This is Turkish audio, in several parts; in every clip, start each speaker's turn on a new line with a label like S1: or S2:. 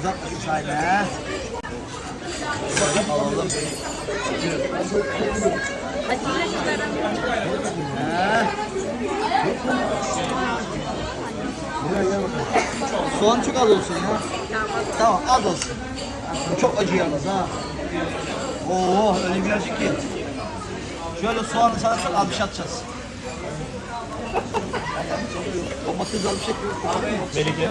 S1: uzatmasın sahne. Alalım. Soğan çok az olsun ya. Tamam az olsun. Bu çok acı yalnız ha. Oo öyle bir acı ki. Şöyle soğanı sana çok az bir şey atacağız. Domates az bir şey koyuyoruz.
S2: Melike.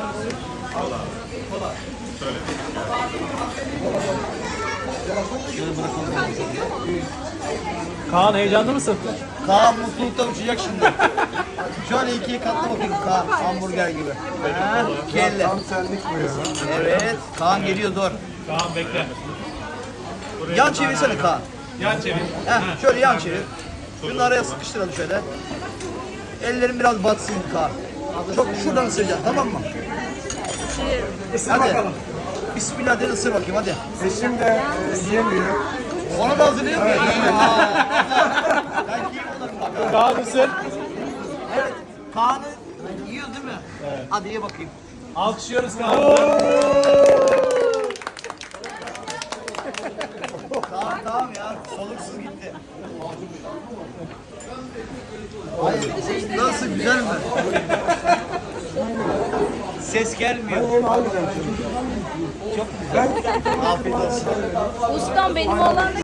S1: Şöyle bırakalım.
S2: Kaan heyecanlı mısın?
S1: Kaan mutluluktan uçacak şimdi. Şöyle ikiye katla bakayım Kaan, hamburger gibi. Ha, kelle.
S3: Tam senlik bu ya.
S1: Evet, Kaan geliyor dur.
S2: Kaan bekle.
S1: Yan çevirsene Kaan.
S2: Yan çevir.
S1: Heh, şöyle yan çevir. Şunu araya sıkıştıralım şöyle. Ellerin biraz batsın Kaan. Çok şuradan ısıracaksın, tamam mı? Hadi. Bismillah de ısır bakayım hadi.
S3: Eşim de yiyemiyor.
S1: Onu da hazırlayayım mı? Ben yiyeyim onları.
S2: Kaan mısın?
S1: Evet. Kaan'ı yiyor değil mi? Evet. Hadi ye bakayım.
S2: Alkışlıyoruz Kaan'ı.
S1: Tamam ya, soluksuz gitti. Hayır, nasıl güzel mi? Ses gelmiyor. Çok güzel. Afiyet olsun.
S4: Ustam benim olan